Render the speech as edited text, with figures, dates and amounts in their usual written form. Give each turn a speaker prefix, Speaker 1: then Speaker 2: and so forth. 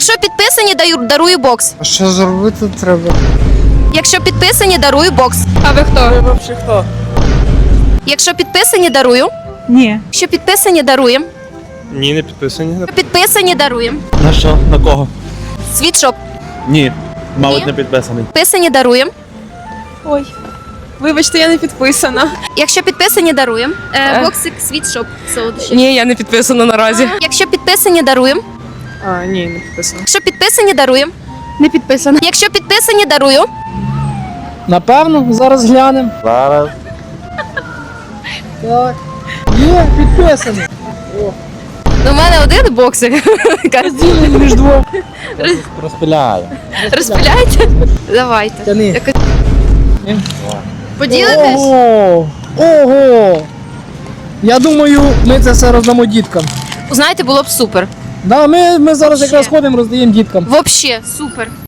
Speaker 1: Якщо підписані, дарую бокс.
Speaker 2: А що зробити треба?
Speaker 1: Якщо підписані, дарую бокс.
Speaker 3: А ви хто?
Speaker 2: Ви взагалі хто?
Speaker 1: Якщо підписані, дарую.
Speaker 3: Ні.
Speaker 1: Якщо підписані, даруємо.
Speaker 4: Ні, не підписані.
Speaker 1: Якщо підписані, даруємо.
Speaker 4: На що? На кого?
Speaker 1: Світшоп.
Speaker 4: Ні. Мабуть,
Speaker 1: Ні?
Speaker 4: не підписаний.
Speaker 1: Підписані, даруємо.
Speaker 3: Ой. Вибачте, я не підписана.
Speaker 1: Якщо підписані, даруємо. Боксик, світшоп, солодощі.
Speaker 3: Ні, я не підписана наразі.
Speaker 1: Якщо підписані, даруємо.
Speaker 3: А, ні, не підписана.
Speaker 1: Якщо підписані, даруємо.
Speaker 3: Не підписана.
Speaker 1: Якщо підписані, дарую.
Speaker 2: Напевно, зараз глянемо.
Speaker 4: Зараз.
Speaker 2: Так. Є, підписаний.
Speaker 1: У мене один боксик.
Speaker 2: Розділені між двох.
Speaker 4: Розпиляю.
Speaker 1: Розпиляйте? Давайте.
Speaker 2: Тяни.
Speaker 1: Якось- Поділитесь?
Speaker 2: Ого! Ого! Я думаю, ми це все роздамо діткам.
Speaker 1: Знаєте, було б супер.
Speaker 2: Да, ми зараз
Speaker 1: Вообще.
Speaker 2: якраз ходимо, роздаємо діткам.
Speaker 1: Вообще, супер.